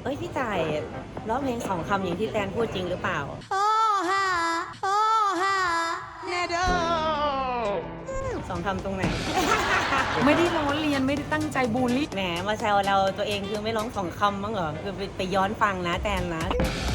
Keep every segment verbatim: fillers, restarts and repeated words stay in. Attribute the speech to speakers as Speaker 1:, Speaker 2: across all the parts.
Speaker 1: เอ้ยพี่ต่ายร้องเพลงสองคำอย่างที่แตนพูดจริงหรือเปล่า
Speaker 2: โทรหาโทรหาแน่เด้อ
Speaker 1: สองคำตรงไหน
Speaker 3: ไม่ได้ล้อเลียนไม่ได้ตั้งใจบูลลี่
Speaker 1: แหมมาแซวเราตัวเองคือไม่ร้องสองคำมั้งเหรอคือไปไปย้อนฟังนะแตนนะ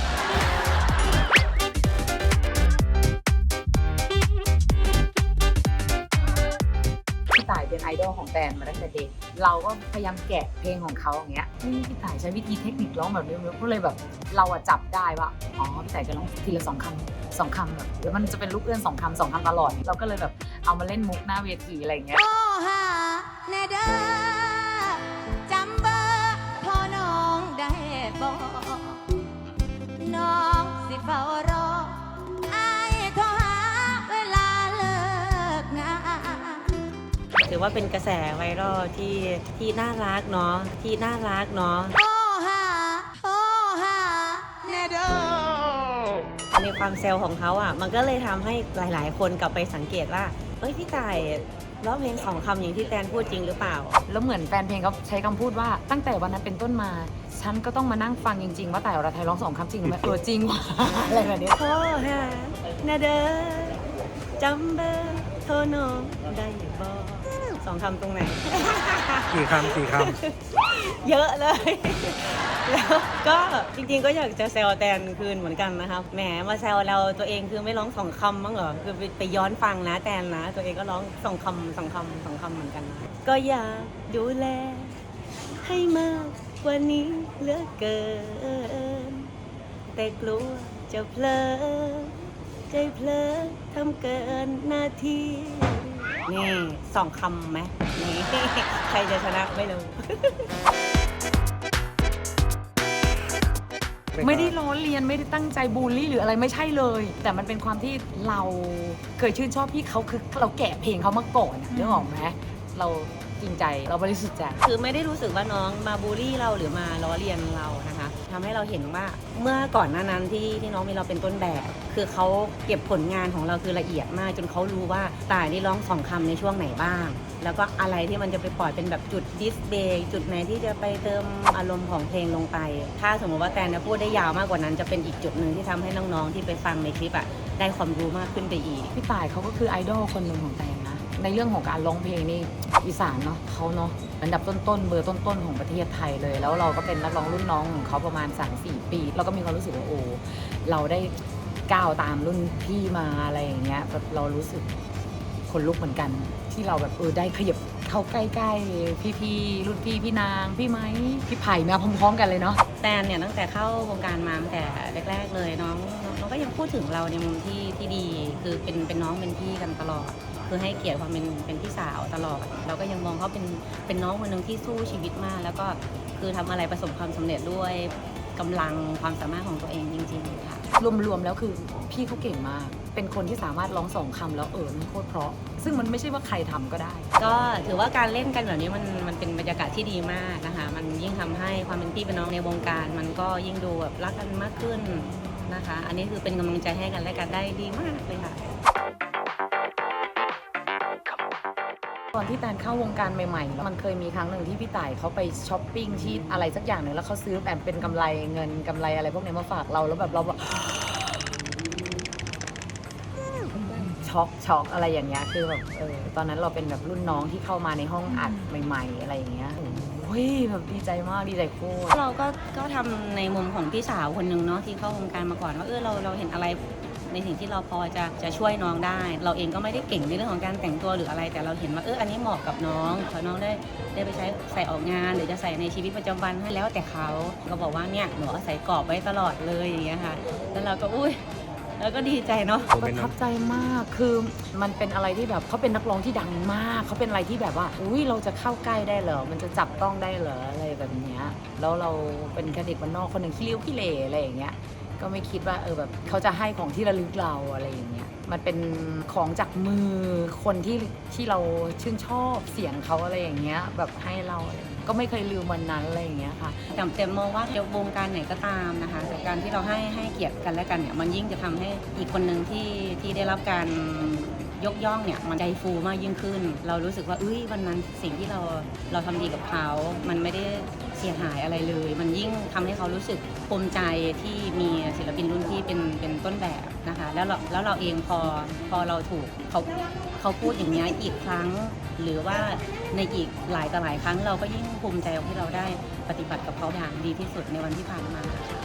Speaker 3: พี่ต่ายเป็นไอดอลของแตนมาตั้งแต่เด็กเราก็พยายามแกะเพลงของเขาอย่างเงี้ยนี่พี่ต่ายใช้วิธีเทคนิคร้องแบบนี้ก็เลยแบบเราอะจับได้ว่าอ๋อพี่ต่ายจะร้องทีละสองคำสองคำแบบแล้วมันจะเป็นลูกเอื้อนสองคำสองคำตลอดเราก็เลยแบบเอามาเล่นมุกหน้าเวทีอะไรอย่างเงี้ย
Speaker 2: โทรหาแน่เด้อจำเบอร์โทรน้องได้บ่น้องสิเฝ้ารออายโทรหาเวลาเลิกงาน
Speaker 1: ถือว่าเป็นกระแสไวรัลที่ที่น่ารักเนาะที่น่ารักเนาะ
Speaker 2: โทรหาโทรหาแน่เด้อ
Speaker 1: ในความเซลล์ของเขาอ่ะมันก็เลยทำให้หลายๆ คนกลับไปสังเกตว่าเอ้ยพี่ต่ายร้องเพลงสองคำอย่างที่แตนพูดจริงหรือเปล่า
Speaker 3: แล้วเหมือนแฟนเพลงเขาใช้คำพูดว่าตั้งแต่วันนั้นเป็นต้นมาฉันก็ต้องมานั่งฟังจริงๆว่าแต่อรไทยร้องสองคำจริงหรือไม่เออจริงว่ะอะไรแบบนี้
Speaker 1: โทรหานาเดอจำเบอร์โทรน้องได้บ่สองคำตรงไหน
Speaker 4: กี่คำกี่ค
Speaker 1: ำเยอะเลย แล้วก็จริงๆก็อยากจะแซวแตนคืนเหมือนกันนะครับแหมมาแซวเราตัวเองคือไม่ร้องสองคำมั้งเหรอคือไปไปย้อนฟังนะแตนนะตัวเองก็ร้องสองคำสองคำสองคำเหมือนกันก็อยากดูแลให้มากกว่านี้เหลือเกินแต่กลัวจะเพลอใจเพลอทำเกินหน้าที่นี่สองคำไหมนี่ใครจะชนะไม่รู้
Speaker 4: ำ
Speaker 3: ไม่ได้ล้อเลียนไม่ได้ตั้งใจบูลลี่หรืออะไรไม่ใช่เลย แต่มันเป็นความที่เราเคยชื่นชอบพี่เขาคือเราแกะเพลงเขามาก่อนนึกออกไหมเราจริงใจเราบริสุทธิ์ใจ
Speaker 1: คือไม่ได้รู้สึกว่าน้องมาบูลลี่เราหรือมาล้อเลียนเรานะคะทำให้เราเห็นว่าเมื่อก่อนหน้านั้นที่ที่น้องมีเราเป็นต้นแบบคือเขาเก็บผลงานของเราคือละเอียดมากจนเขารู้ว่าต่ายนี่ร้องสองคำในช่วงไหนบ้างแล้วก็อะไรที่มันจะไปปล่อยเป็นแบบจุดดิสเบย์จุดไหนที่จะไปเติมอารมณ์ของเพลงลงไปถ้าสมมติว่าแตนนะพูดได้ยาวมากกว่านั้นจะเป็นอีกจุดหนึ่งที่ทำให้น้องๆที่ไปฟังในคลิปอ่ะได้ความรู้มากขึ้นไปอีก
Speaker 3: พี่ต่ายเขาก็คือไอดอลคนหนึ่งของแตนนะในเรื่องของการร้องเพลงนี่อีสานเนาะเขาเนาะอันดับต้นๆเบอร์ต้นๆของประเทศไทยเลยแล้วเราก็เป็นนักร้องรุ่นน้องของเขาประมาณ สามสี่ ปีเราก็มีความรู้สึกว่าโอ้เราได้ก้าวตามรุ่นพี่มาอะไรอย่างเงี้ยแบบเรารู้สึกคนลุกเหมือนกันที่เราแบบเออได้ขยับเข้าใกล้ๆพี่ๆรุ่นพี่พี่นางพี่ไม้พี่ไผ่มาพร้อมๆกันเลยเนาะ
Speaker 1: แตนเนี่ยตั้งแต่เข้าวงการมาตั้งแต่แรกๆเลยน้องน้องก็ยังพูดถึงเราในมุมที่ที่ดีคือเป็นเป็นน้องเป็นพี่กันตลอดคือให้เกียรติความเป็นเป็นพี่สาวตลอดเราก็ยังมองเขาเป็นเป็นน้องคนหนึ่งที่สู้ชีวิตมากแล้วก็คือทำอะไรประสบความสำเร็จด้วยกำลังความสามารถของตัวเองจริงๆค่ะ
Speaker 3: รวมๆแล้วคือพี่เขาเก่งมากเป็นคนที่สามารถร้องสองคำแล้วเออมันโคตรเพราะซึ่งมันไม่ใช่ว่าใครทำก็ได้
Speaker 1: ก็ถือว่าการเล่นกันแบบนี้มันมันเป็นบรรยากาศที่ดีมากนะคะมันยิ่งทำให้ความเป็นพี่เป็นน้องในวงการมันก็ยิ่งดูแบบรักกันมากขึ้นนะคะอันนี้คือเป็นกำลังใจให้กันและกันได้ดีมากเลยค่ะ
Speaker 3: ตอนที่แตนเข้าวงการใหม่ๆมันเคยมีครั้งหนึ่งที่พี่ต่ายเขาไปช้อปปิ้งที่อะไรสักอย่างหนึ่งแล้วเขาซื้อแบบเป็นกำไรเงินกำไรอะไรพวกนี้มาฝากเราแล้วแบบเราแบบช็อกช็อกอะไรอย่างเงี้ยคือแบบเออตอนนั้นเราเป็นแบบรุ่นน้องที่เข้ามาในห้องอัดใหม่ๆอะไรอย่างเงี้ยโอ้ยแบบดีใจมากดีใจโคตร
Speaker 1: เราก็ก็ทำในมุมของพี่สาวคนหนึ่งเนาะที่เข้าวงการมาก่อนว่าเออเราเราเห็นอะไรในสิ่งที่เราพอจะจะช่วยน้องได้เราเองก็ไม่ได้เก่งในเรื่องของการแต่งตัวหรืออะไรแต่เราเห็นว่าเอออันนี้เหมาะกับน้องพอน้องได้ได้ไปใช้ใส่ออกงานหรือจะใส่ในชีวิตประจำวันให้แล้วแต่เขาก็บอกว่าเนี่ยหนูเอาใส่กรอบไว้ตลอดเลยอย่างเงี้ยค่ะแล้วเราก็อุ้ยแล้วก็ดีใจเนาะ
Speaker 3: ประทับใจมากคือมันเป็นอะไรที่แบบเขาเป็นนักร้องที่ดังมากเขาเป็นอะไรที่แบบว่าอุ้ยเราจะเข้าใกล้ได้เหรอมันจะจับต้องได้เหรออะไรแบบเนี้ยแล้วเราเป็นแค่เด็กบ้านนอกคนหนึ่งขี้เลี้ยวขี้เหร่อะไรอย่างเงี้ยก็ไม่คิดว่าเออแบบเขาจะให้ของที่ระลึกเราอะไรอย่างเงี้ยมันเป็นของจากมือคนที่ที่เราชื่นชอบเสียงเขาอะไรอย่างเงี้ยแบบให้เราก็ไม่เคยลืมวันนั้นอะไรอย่างเงี้ยค่ะ
Speaker 1: แต่แต่มองว่าเดี๋ยววงการไหนก็ตามนะคะแต่การที่เราให้ให้เกียรติกันและกันเนี่ยมันยิ่งจะทำให้อีกคนหนึ่งที่ที่ได้รับการยกย่องเนี่ยมันใจฟูมากยิ่งขึ้น เรารู้สึกว่าเอ้ยวันนั้นสิ่งที่เราเราทำดีกับเขามันไม่ได้เสียหายอะไรเลย มันยิ่งทำให้เขารู้สึกภูมิใจที่มีศิลปินรุ่นพี่เป็นเป็นต้นแบบนะคะแล้วเราแล้วเราเองพอพอเราถูกเขาเขาพูดอย่างนี้อีกครั้ง หรือว่าในอีกหลายต่อหลายครั้งเราก็ยิ่งภูมิใจที่เราได้ปฏิบัติกับเขาอย่างดีที่สุดในวันที่ผ่านมา